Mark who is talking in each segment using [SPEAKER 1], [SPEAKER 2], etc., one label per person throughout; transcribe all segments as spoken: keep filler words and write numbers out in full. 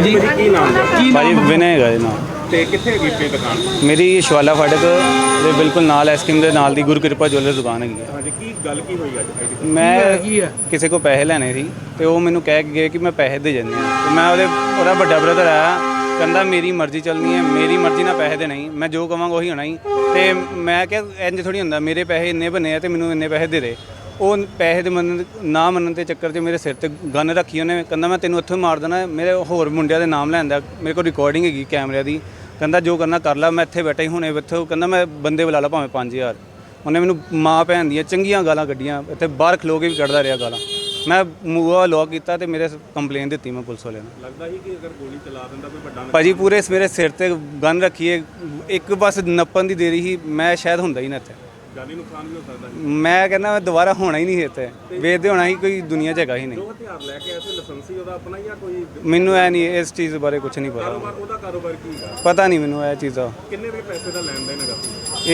[SPEAKER 1] जी की नाम है
[SPEAKER 2] भाजी विनय है जी नाम
[SPEAKER 1] ਤੇ ਕਿੱਥੇ ਹੈਗੀ ਆਪਣੀ ਦੁਕਾਨ?
[SPEAKER 2] मेरी शिवाला फाटक ਦੇ ਬਿਲਕੁਲ ਨਾਲ ਐਸਕ੍ਰੀਮ ਦੇ ਨਾਲ ਦੀ ਗੁਰਕਿਰਪਾ ਜੁਐਲਰ ਦੁਕਾਨ ਹੈਗੀ ਹੈ।
[SPEAKER 1] ਹਾਂਜੀ ਕੀ ਗੱਲ ਕੀ ਹੋਈ ਅੱਜ ਅੱਜ?
[SPEAKER 2] ਮੈਂ ਕਿਸੇ ਕੋ ਪੈਸੇ ਲੈਣੇ ਸੀ ਤੇ ਉਹ ਮੈਨੂੰ ਕਹਿ ਕੇ ਗਏ ਕਿ ਮੈਂ ਪੈਸੇ ਦੇ ਜਾਂਦੇ ਆ ਤੇ ਮੈਂ ਉਹਦੇ ਉਹਦਾ ਵੱਡਾ ਬ੍ਰਦਰ ਆਇਆ ਕਹਿੰਦਾ ਮੇਰੀ ਮਰਜ਼ੀ ਚੱਲਣੀ ਹੈ, ਮੇਰੀ ਮਰਜ਼ੀ ਨਾਲ ਪੈਸੇ ਦੇ ਨਹੀਂ, ਮੈਂ ਜੋ ਕਵਾਂਗਾ ਉਹੀ ਹੋਣਾ ਹੀ। ਤੇ ਮੈਂ ਕਿਹਾ ਇੰਜ ਥੋੜੀ ਹੁੰਦਾ, ਮੇਰੇ ਪੈਸੇ ਇੰਨੇ ਬਣੇ ਆ ਤੇ ਮੈਨੂੰ ਇੰਨੇ ਪੈਸੇ ਦੇ ਦੇ। ਉਹ ਪੈਸੇ ਦੇ ਮੰਨਣ ਨਾ ਮੰਨਣ ਦੇ ਚੱਕਰ 'ਚ ਮੇਰੇ ਸਿਰ ਤੇ ਗਨ ਰੱਖੀ ਉਹਨੇ, ਕਹਿੰਦਾ ਮੈਂ ਤੈਨੂੰ ਇੱਥੋਂ ਮਾਰ ਦੇਣਾ। ਮੇਰੇ ਹੋਰ ਮੁੰਡਿਆਂ ਦੇ ਨਾਮ ਲੈਂਦਾ, ਮੇਰੇ ਕੋਲ ਰਿਕਾਰਡਿੰਗ ਹੈਗੀ ਕੈਮਰਿਆਂ ਦੀ, ਕਹਿੰਦਾ ਜੋ ਕਰਨਾ ਕਰ ਲਾ, ਮੈਂ ਇੱਥੇ ਬੈਠਾ ਹੀ ਹੁਣੇ ਇੱਥੇ। ਕਹਿੰਦਾ ਮੈਂ ਬੰਦੇ ਬੁਲਾ ਲਾ ਭਾਵੇਂ ਪੰਜ ਹਜ਼ਾਰ। ਉਹਨੇ ਮੈਨੂੰ ਮਾਂ ਭੈਣ ਦੀਆਂ ਚੰਗੀਆਂ ਗਾਲਾਂ ਕੱਢੀਆਂ, ਇੱਥੇ ਬਾਹਰ ਖਲੋ ਕੇ ਵੀ ਕੱਢਦਾ ਰਿਹਾ ਗਾਲਾਂ। ਮੈਂ ਮੂੰਹ ਲੋਕ ਕੀਤਾ ਤੇ ਮੇਰੇ ਕੰਪਲੇਨ ਦਿੱਤੀ ਮੈਂ ਪੁਲਿਸ ਵਾਲਿਆਂ ਨੂੰ।
[SPEAKER 1] ਲੱਗਦਾ ਸੀ ਕਿ ਅਗਰ ਗੋਲੀ ਚਲਾ ਦਿੰਦਾ ਕੋਈ ਵੱਡਾ
[SPEAKER 2] ਭਾਜੀ ਪੂਰੇ ਮੇਰੇ ਸਿਰ ਤੇ ਗਨ ਰੱਖੀਏ, ਇੱਕ ਬਸ ਨੱਪਣ ਦੀ ਦੇਰੀ ਸੀ, ਮੈਂ ਸ਼ਾਇਦ ਹੁੰਦਾ ਹੀ ਨਾ ਇੱਥੇ।
[SPEAKER 1] ਜਾਨੀ ਨੁਕਸਾਨ ਵੀ ਹੋ ਸਕਦਾ ਸੀ।
[SPEAKER 2] ਮੈਂ ਕਹਿੰਦਾ ਮੈਂ ਦੁਬਾਰਾ ਹੋਣਾ ਹੀ ਨਹੀਂ ਇੱਥੇ, ਵੇਚਦੇ ਹੋਣਾ ਹੀ ਕੋਈ ਦੁਨੀਆ 'ਚ ਹੈਗਾ ਹੀ ਨਹੀਂ।
[SPEAKER 1] ਜੋ ਹਥਿਆਰ ਲੈ ਕੇ ਆਏ ਸੀ ਲਾਇਸੈਂਸੀ ਉਹਦਾ ਆਪਣਾ ਜਾਂ ਕੋਈ?
[SPEAKER 2] ਮੈਨੂੰ ਇਹ ਨਹੀਂ, ਇਸ ਚੀਜ਼ ਬਾਰੇ ਕੁਝ ਨਹੀਂ ਪਤਾ।
[SPEAKER 1] ਕਾਰੋਬਾਰ ਉਹਦਾ ਕਾਰੋਬਾਰ ਕੀ ਹੈ
[SPEAKER 2] ਪਤਾ ਨਹੀਂ ਮੈਨੂੰ ਇਹ ਚੀਜ਼ ਦਾ।
[SPEAKER 1] ਕਿੰਨੇ ਵੀ ਪੈਸੇ ਦਾ ਲੈਣ ਦੇਣ ਹੈਗਾ?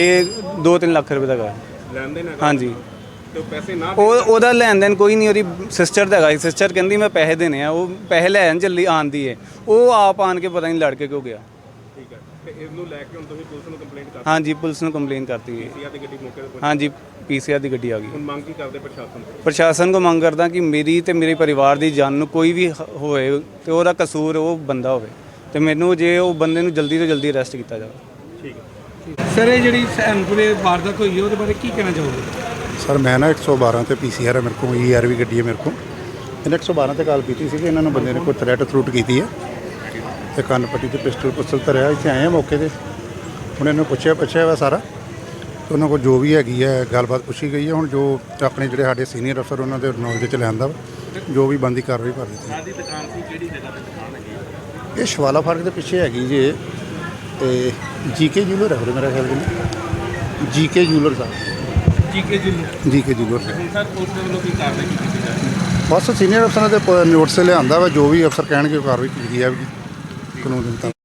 [SPEAKER 2] ਇਹ ਦੋ ਤਿੰਨ ਲੱਖ ਰੁਪਏ ਦਾ ਹੈਗਾ।
[SPEAKER 1] ਲੈਣ ਦੇਣ ਹੈਗਾ?
[SPEAKER 2] ਹਾਂਜੀ।
[SPEAKER 1] ਤੇ ਉਹ ਪੈਸੇ ਨਾ
[SPEAKER 2] ਉਹ ਉਹਦਾ ਲੈਣ ਦੇਣ ਕੋਈ ਨਹੀਂ, ਉਹਦੀ ਸਿਸਟਰ ਦਾ ਹੈਗਾ। ਸਿਸਟਰ ਕਹਿੰਦੀ ਮੈਂ ਪੈਸੇ ਦੇਣੇ ਆ, ਉਹ ਪੈਸੇ ਲੈਣ ਚੱਲੀ ਆਂਦੀ ਹੈ, ਉਹ ਆਪ ਆਣ ਕੇ ਪਤਾ ਨਹੀਂ ਲੜ ਕੇ ਕਿਉਂ ਗਿਆ।
[SPEAKER 1] ਠੀਕ ਹੈ ਤੇ ਇਸ ਨੂੰ ਲੈ ਕੇ ਹੁਣ ਤੁਸੀਂ ਪੁਲਿਸ ਨੂੰ ਕੰਪਲੇਂਟ ਕਰ?
[SPEAKER 2] ਹਾਂਜੀ ਪੁਲਿਸ ਨੂੰ ਕੰਪਲੇਨ ਕਰਤੀ ਹੈ।
[SPEAKER 1] ਪੀਸੀਆਰ ਦੀ ਗੱਡੀ ਮੌਕੇ ਤੇ ਪਹੁੰਚੀ?
[SPEAKER 2] ਹਾਂਜੀ ਪੀਸੀਆਰ ਦੀ ਗੱਡੀ ਆ ਗਈ।
[SPEAKER 1] ਹੁਣ ਮੰਗ ਕੀ ਕਰਦੇ ਪ੍ਰਸ਼ਾਸਨ ਤੋਂ?
[SPEAKER 2] ਪ੍ਰਸ਼ਾਸਨ ਕੋ ਮੰਗ ਕਰਦਾ ਕਿ ਮੇਰੀ ਤੇ ਮੇਰੇ ਪਰਿਵਾਰ ਦੀ ਜਾਨ ਨੂੰ ਕੋਈ ਵੀ ਹ- ਹੋਏ ਤੇ ਉਹਦਾ ਕਸੂਰ ਉਹ ਬੰਦਾ ਹੋਵੇ ਤੇ ਮੈਨੂੰ ਜੇ ਉਹ ਬੰਦੇ ਨੂੰ ਜਲਦੀ ਤੋਂ ਜਲਦੀ ਅਰੈਸਟ ਕੀਤਾ ਜਾਵੇ।
[SPEAKER 1] ਠੀਕ ਹੈ।
[SPEAKER 3] ਸਰ ਇਹ ਜਿਹੜੀ ਸੈਨਪੁਰੇ ਵਾਰਦਾਤ ਹੋਈ ਹੈ ਉਹਦੇ ਬਾਰੇ ਕੀ ਕਹਿਣਾ ਚਾਹੋਗੇ?
[SPEAKER 4] ਸਰ ਮੈਂ ਨਾ ਇੱਕ ਸੌ ਬਾਰਾਂ ਤੇ ਪੀਸੀਆਰ ਹੈ ਮੇਰੇ ਕੋਲ, ਈ ਆਰ ਵੀ ਗੱਡੀ ਹੈ ਮੇਰੇ ਕੋਲ। ਇਹਨੇ ਇੱਕ ਸੌ ਬਾਰਾਂ ਤੇ ਕਾਲ ਕੀਤੀ ਸੀ ਕਿ ਇਹਨਾਂ ਨੂੰ ਬੰਦੇ ਨੇ ਕੋਈ ਥ੍ਰੈਟ ਥਰੂਟ ਕੀਤੀ ਹੈ ਤੇ ਕੰਨ ਪੱਟੀ ਤੇ ਪਿਸਟਲ ਪੁਸਤਲ ਧਰਿਆ। ਇੱਥੇ ਆਏ ਆ ਮੌਕੇ ਤੇ, ਹੁਣ ਇਹਨੂੰ ਪੁੱਛਿਆ ਪੁੱਛਿਆ ਵਾ ਸਾਰਾ ਤੇ ਉਹਨਾਂ ਕੋਲ ਜੋ ਵੀ ਹੈਗੀ ਹੈ ਗੱਲਬਾਤ ਪੁੱਛੀ ਗਈ ਹੈ। ਹੁਣ ਜੋ ਆਪਣੇ ਜਿਹੜੇ ਸਾਡੇ ਸੀਨੀਅਰ ਅਫਸਰ ਉਹਨਾਂ ਦੇ ਨੌਲੇਜ 'ਚ ਲਿਆਂਦਾ ਵਾ, ਜੋ ਵੀ ਬਣਦੀ ਕਾਰਵਾਈ ਕਰ ਦਿੱਤੀ।
[SPEAKER 1] ਸਾਡੀ ਦੁਕਾਨ ਸੀ ਕਿਹੜੀ ਜਗ੍ਹਾ ਤੇ ਦੁਕਾਨ ਹੈਗੀ?
[SPEAKER 4] ਇਹ ਸ਼ਵਾਲਾ ਫਾਟਕ ਦੇ ਪਿੱਛੇ ਹੈਗੀ ਜੇ ਤੇ ਜੀਕੇ ਜੂਲਰ ਹੈ ਮੇਰਾ ਖਿਆਲ ਜੀ, ਜੀਕੇ ਜੂਲਰ ਸਾਹਿਬ,
[SPEAKER 3] ਜੀਕੇ ਜੀ
[SPEAKER 4] ਜੀਕੇ ਜੂਲਰ ਸਾਹਿਬ।
[SPEAKER 1] ਹੁਣ ਸਰ ਉਸ ਦੇ ਵੱਲੋਂ ਕੀ ਕਾਰਵਾਈ ਕੀਤੀ ਜਾਵੇ?
[SPEAKER 4] ਬਸ ਸੀਨੀਅਰ ਅਫਸਰਾਂ ਦੇ ਨੋਟਿਸ ਲਿਆਂਦਾ ਵਾ, ਜੋ ਵੀ ਅਫਸਰ ਕਹਿਣਗੇ ਉਹ ਕਾਰਵਾਈ ਕੀਤੀ ਜਾਵੇਗੀ ਕਾਨੂੰਨ ਦੇ ਮੁਤਾਬਕ।